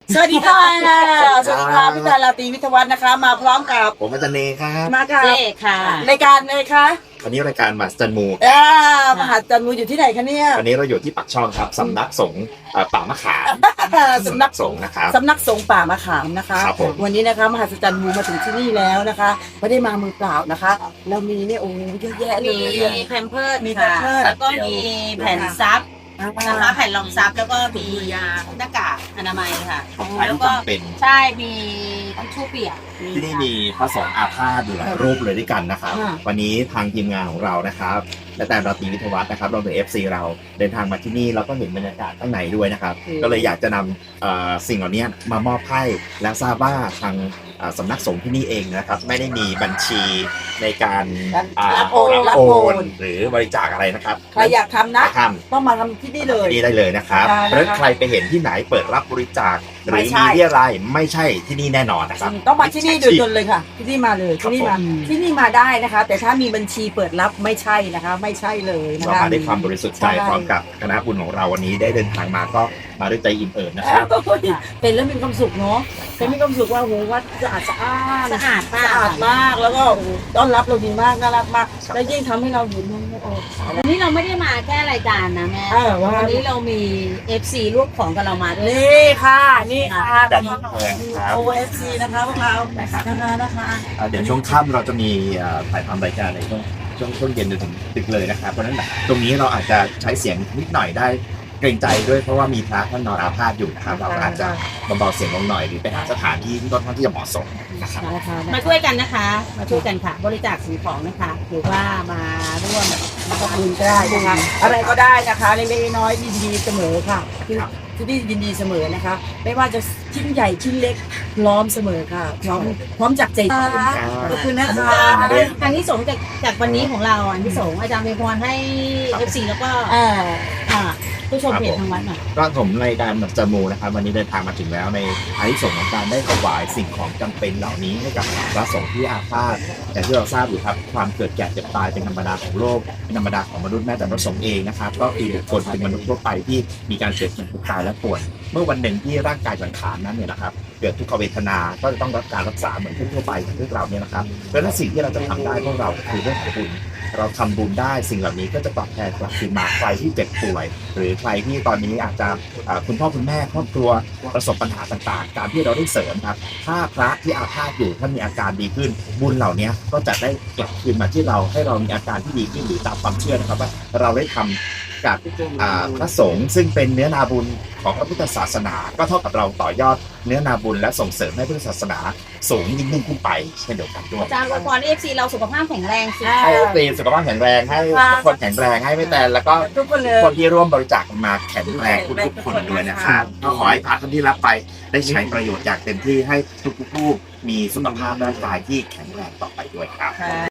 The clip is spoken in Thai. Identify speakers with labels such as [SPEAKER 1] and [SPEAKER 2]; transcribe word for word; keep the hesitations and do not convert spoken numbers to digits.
[SPEAKER 1] สวัสดีค่ะสวัสดีค่ะพี่ดาราตรีวิทยาวัฒน์นะคะ มาพร้อมกับ
[SPEAKER 2] ผมอาจารย์เนครับ
[SPEAKER 1] มากับ
[SPEAKER 3] เจ๊ค่ะ
[SPEAKER 1] รายการเลยคะ
[SPEAKER 2] วันนี้รายการมาสจันมู
[SPEAKER 1] อ่ามหาจันทร์มูอยู่ที่ไหนคะเนี่ย
[SPEAKER 2] วันนี้เราอยู่ที่ปักช่องครับสำนักสงฆ์เอ่อป่ามะขาม
[SPEAKER 1] สำนัก
[SPEAKER 2] สงฆ์นะครับ
[SPEAKER 1] สำนักสงฆ์ป่ามะขามนะคะ
[SPEAKER 2] ครับผม
[SPEAKER 1] วันนี้นะคะมหาจันทร์มูมาถึงที่นี่แล้วนะคะไม่ได้มามือเปล่านะคะเรามีเนี่ยโอ้เยอะแยะเล
[SPEAKER 3] มี
[SPEAKER 1] ย
[SPEAKER 3] แพมเพิร์ด
[SPEAKER 1] มี
[SPEAKER 3] ค่ะ
[SPEAKER 1] Pampers
[SPEAKER 3] แล้วก็มีแผ่นซับ
[SPEAKER 1] นะ
[SPEAKER 3] นะคะ แผ่นรองซับแล้วก็มีหน้ากากอนามัยค่ะ
[SPEAKER 2] ของใช้
[SPEAKER 3] แล้ว
[SPEAKER 2] ที่
[SPEAKER 3] ก็
[SPEAKER 2] จำเป็น
[SPEAKER 3] ใช่มีทิชชู่เปียก
[SPEAKER 2] ที่นี่มีพระสงฆ์อาพาธอยู่หลายรูปเลยด้วยกันนะครับ วันนี้ทางทีมงานของเรานะครับและแต่ราตรีวิทยาวัฒน์นะครับรวมถึง เอฟ ซี เราเดินทางมาที่นี่เราก็เห็นบรรยากาศข้างในด้วยนะครับ ก็เลยอยากจะนำเอ่อสิ่งเหล่านี้มามอบให้และทราบว่าทางเอ่อสำนักสงฆ์ที่นี่เองนะครับ ไม่ได้มีบัญชีในการอ่า
[SPEAKER 1] รับโอน
[SPEAKER 2] รับ
[SPEAKER 1] รับ
[SPEAKER 2] โอ
[SPEAKER 1] โอน
[SPEAKER 2] นหรือบริจาคอะไรนะครับ
[SPEAKER 1] ใครอยากทำนะ
[SPEAKER 2] ท
[SPEAKER 1] ต้องมาทำที่นี่เลย
[SPEAKER 2] ำนี่ได้เลยนะครับ
[SPEAKER 1] ได้นะคะ
[SPEAKER 2] เพราะฉะนั้นใครไปเห็นที่ไหนเปิดรับบริจาคหรือ
[SPEAKER 1] ไม่ใช่
[SPEAKER 2] มีเรียรายไม่ใช่ที่นี่แน่นอนนะครับ
[SPEAKER 1] ต้องมาที่นี่โดยตรงเลยค่ะ ที่นี่มาเลยที่นี่มา
[SPEAKER 3] ผม
[SPEAKER 1] ที่นี่มาได้นะคะ แต่ถ้ามีบัญชีเปิดรับไม่ใช่นะคะ ไม่ใช่เลยนะ
[SPEAKER 2] เรา
[SPEAKER 1] คะ
[SPEAKER 2] มาด้วยความบริสุทธิ์ใจ
[SPEAKER 1] ใช่
[SPEAKER 2] พร้อมกับคณะบุญของเราวันนี้ได้เดินทางมาก็มาด้วยใจอิ่มเอิบนะครับ
[SPEAKER 1] โอ้ยเป็นแล้วมีความสุขเนาะเป็นมีความสุขว่าโหวัดสะอาดสะอ้าน
[SPEAKER 3] สะอาดมาก
[SPEAKER 1] สะอาดมากแล้วก็โอ้โหต้อนรับเราดีมากน่ารักมาก แล้วยิ่งทำให้เราอยู่นู่นโอ้
[SPEAKER 3] วันนี้เราไม่ได้มาแค่รายการนะแม่
[SPEAKER 1] เออว่า
[SPEAKER 3] วันนี้เรามี เอฟ ซี ร่วมของกับเรามาด้วย
[SPEAKER 1] นี่ค่ะนี่ค่ะ
[SPEAKER 2] ดันแพงครับ
[SPEAKER 1] โอเอฟซีนะคะพวกเรา
[SPEAKER 2] นะครับ
[SPEAKER 1] นะคะนะคะ
[SPEAKER 2] อ่าเดี๋ยวช่วงค่ำเราจะมีเอ่อถ่ายทำรายการในช่วงช่วงช่วงเย็นจนถึงดึกเลยนะครับเพราะฉะนั้นตรงนี้เราอาจจะใช้เสียงนิดหน่อยได้เกรงใจด้วยเพราะว่ามีพระท่านนอนอาพาธอยู่นะครับเราก็อาจจะเบาๆเสียงลงหน่อยหรือไปหาสถานที่ที่ค่อนข้างที่จะเหมาะสมนะครับ
[SPEAKER 1] นะคะ
[SPEAKER 3] มาช่วยกันนะคะ มาช่วยกันค่ะ บริจาคสิ่งของนะคะ หรือว่ามาร่วม
[SPEAKER 1] ขอบคุณก็ได้นะคะอะไรก็ได้นะคะเล็กๆน้อยๆยินดีเสมอค่ะที่ที่นี่ยินดีเสมอนะคะ ไม่ว่าจะชิ้นใหญ่ชิ้นเล็กพร้อมเสมอค่ะพร้อมพร้อมจากใจขอบคุณนะคะ
[SPEAKER 3] ทางที่สงส์จากจากวันนี้ของเราอันที่สงส์อาจารย์เป็นพรให้ เอฟ ซี แล้วก็
[SPEAKER 1] อ่า
[SPEAKER 3] อ่าผู้ชมเพจทางวัดหน่อย
[SPEAKER 2] ก็ผมในการแบบจมูนะครับวันนี้เดินทางมาถึงแล้วในอานิสงส์ของการได้ถวายสิ่งของจำเป็นเหล่านี้ให้กับพระสงฆ์ที่อาพาธอย่างที่เราทราบอยู่ครับความเกิดแก่เจ็บตายเป็นธรรมดาของโลกเป็นธรรมดาของมนุษย์แม้แต่พระสงฆ์เองนะครับก็คือบุคคลเป็นมนุษย์ทั่วไปที่มีการเกิดเจ็บตายและป่วยเมื่อวันหนึ่งที่ร่างกายสังขารนั้นเนี่ยนะครับเกิดทุกขเวทนาก็จะต้องรับการรักษาเหมือนทั่วไปของพวกเราเนี่ยนะครับเพราะฉะนั้นสิ่งที่เราจะทำได้พวกเราคือเรื่องของบุญ เราทำบุญได้สิ่งเหล่านี้ก็จะตอบแทนกลับคืนมาใครที่เจ็บป่วย หรือใครที่ตอนนี้อาจจะอ่าคุณพ่อคุณแม่ครอบครัวประสบปัญหาต่างๆ การที่เราได้เสริมครับถ้าพระที่อาพาธอยู่ท่านมีอาการดีขึ้น บุญเหล่านี้ก็จะได้กลับคืนมาที่เราให้เรามีอาการที่ดีขึ้นหรือตามความเชื่อนะครับว่าเราได้ทำกับอ่าพระสงฆ์ซึ่งเป็นเนื้อนาบุญของพระพุทธศาสนา ก็เท่ากับเราต่อยอดเนื้อนาบุญและส่งเสริมให้พุทธศาสนาสูงยิ่งขึ้นไปเช่นเดียวกันด้วย
[SPEAKER 3] อาจารย์อวยพรให้ เอฟ ซี เราสุขภาพแข็งแรงสิ
[SPEAKER 2] ให้ตีสุขภาพแข็งแรงให้ทุกคนแข็งแรงให้ไม่แต่แล้วก็
[SPEAKER 1] ทุกคนเลย
[SPEAKER 2] คนที่ร่วมบริจาคมาแข็งแรงทุกๆคนด้วยนะครับก็ขอให้พระท่านที่รับไปได้ใช้ประโยชน์อย่างเต็มที่ให้ทุกๆผู้มีสุขภาพร่างกายที่แข็งแรงต่อไปด้วยครับ